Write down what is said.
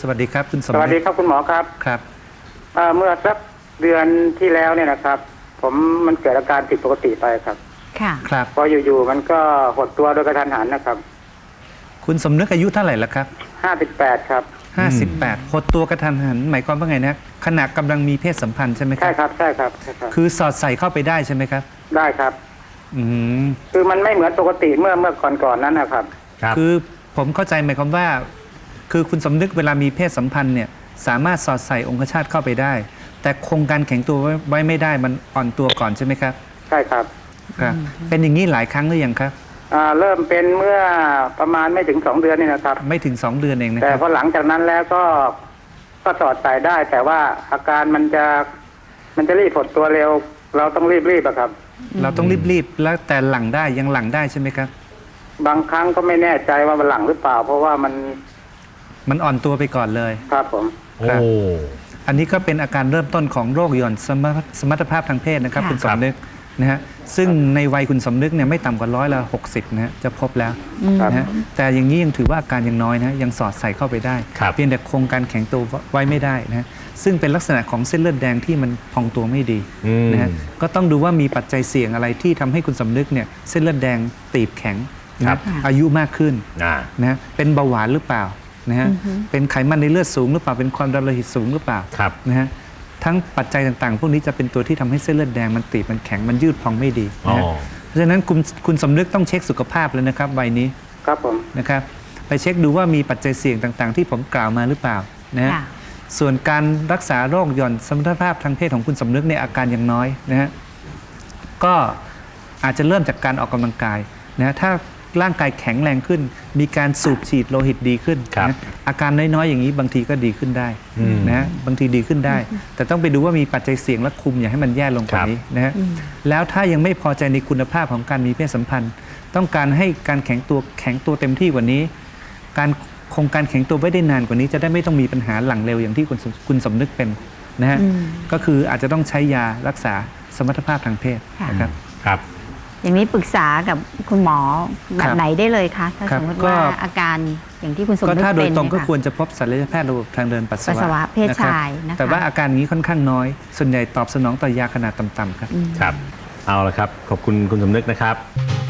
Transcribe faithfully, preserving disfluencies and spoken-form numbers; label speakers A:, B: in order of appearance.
A: วัสดีครับคุณสมนึก
B: สวัสดีครับคุณหมอครับ
A: ครับ
B: เอ่อเมื่อสักเดือนที่แล้วเนี่ยนะครับ ผมมันเกิดอาการผิดปกติไปครับ
C: ค่ะ
A: ครับ
B: พออยู่ๆมันก็หดตัวโดยกระทันหันนะครับ
A: คุณสมนึกอายุเท่าไหร่แล้วครับ
B: ห้าสิบแปดครับ
A: ห้าสิบแปดหดตัวกระทันหันหมายความว่าไงนะขณะกำลังมีเพศสัมพันธ์ใช่ไหมครั
B: ใช่
A: บ
B: ครับใช่ครับใช่ครับ
A: คือสอดใส่เข้าไปได้ใช่ไหมครับ
B: ได้ครับ
A: อืม
B: คือมันไม่เหมือนปกติเมื่อเมื่อก่อนๆนั้นนะครับ
A: คือผมเข้าใจหมายความว่า คือคุณสมนึกเวลามีเพศสัมพันธ์เนี่ยสามารถสอดใส่องคชาตเข้าไปได้ แต่คงการแข็งตัวไว้ไม่ได้มันอ่อนตัวก่อนใช่ไหมครับ
B: ใช่ครับ
A: ครับเป็นอย่างนี้หลายครั้งหรือยังครับ
B: อ่าเริ่มเป็นเมื่อประมาณไม่ถึงสองเดือนนี่นะครับ
A: ไม่ถึงสองเดือนเองนะ
B: แต่
A: ครับ
B: พอหลังจากนั้นแล้วก็ก็สอดใส่ได้ แต่ว่าอาการมันจะมันจะรีบหดตัวเร็ว เราต้องรีบๆอะครับ
A: เราต้องรีบๆแล้วแต่หลังได้ยังหลังได้ใช่ไหมครับ
B: บางครั้งก็ไม่แน่ใจว่ามันหลังหรือเปล่า เพราะว่ามัน
A: มันอ่อนตัวไปก่อนเลย
B: ครับผม
A: ครับอันนี้ก็เป็นอาการเริ่มต้นของโรคหย่อนสมรรถสมรรถภาพทางเพศนะครับคุณสมนึกนะฮะซึ่งในวัยคุณสมนึกเนี่ยไม่ต่ำกว่าร้อยละหกสิบนะฮะจะพบแล้วนะฮะแต่อย่างนี้ยังถือว่าอาการยังน้อยนะยังสอดใส่เข้าไปได้เพียงแต่โครงการแข็งตัวไว้ไม่ได้นะฮะซึ่งเป็นลักษณะของเส้นเลือดแดงที่มันพองตัวไม่ดีนะฮะก็ต้องดูว่ามีปัจจัยเสี่ยงอะไรที่ทำให้คุณสมนึกเนี่ยเส้นเลือดแดงตีบแข็งนะอายุมากขึ้นนะฮะเป็นเบาหวานหรือเปล่านะฮะเป็นไขมันในเลือดสูงหรือเปล่าเป็นความดันโลหิตสูงหรือเปล่านะฮะทั้งปัจจัยต่างๆพวกนี้จะเป็นตัวที่ทำให้เส้นเลือดแดงมันตีบมันแข็งมันยืดพองไม่ดีนะเพราะฉะนั้นคุณคุณสมนึกต้องเช็คสุขภาพเลยนะครับวัยนี้
B: ครับผม
A: นะครับไปเช็คดูว่ามีปัจจัยเสี่ยงต่างๆที่ผมกล่าวมาหรือเปล่านะฮะส่วนการรักษาโรคหย่อนสมรรถภาพทางเพศของคุณสมนึกในอาการยังน้อยนะฮะก็อาจจะเริ่มจากการออกกำลังกายนะถ้าร่างกายแข็งแรงขึ้นมีการสูบฉีดโลหิตดีขึ้นนะอาการน้อยๆอย่างนี้บางทีก็ดีขึ้นได้นะบางทีดีขึ้นได้ แต่ต้องไปดูว่ามีปัจจัยเสี่ยงและคุมอย่าให้มันแย่ลงกว่านี้นะฮะแล้วถ้ายังไม่พอใจในคุณภาพของการมีเพศสัมพันธ์ต้องการให้การแข็งตัวแข็งตัวเต็มที่กว่านี้การคงการแข็งตัวไว้ได้นานกว่านี้จะได้ไม่ต้องมีปัญหาหลังเร็วอย่างที่คุณคุณสมนึกเป็นนะฮะก็คืออาจจะต้องใช้ยารักษาสมรรถภาพทางเพศนะครับ
C: ครับอย่างนี้ปรึกษากับคุณหมอแบบไหนได้เลยคะถ้าสมมติว่าอาการอย่างที่คุณสมนึกเป็นก็
A: ถ้าโดยตรงก็ควรจะพบศัลยแพทย์ระบบทางเดินปัสสาวะ
C: เพศชายนะคะ
A: แต่ว่าอาการนี้ค่อนข้างน้อยส่วนใหญ่ตอบสนองต่อยาขนาดต่ำๆครับ
D: ครับเอาละครับขอบคุณคุณสมนึกนะครับ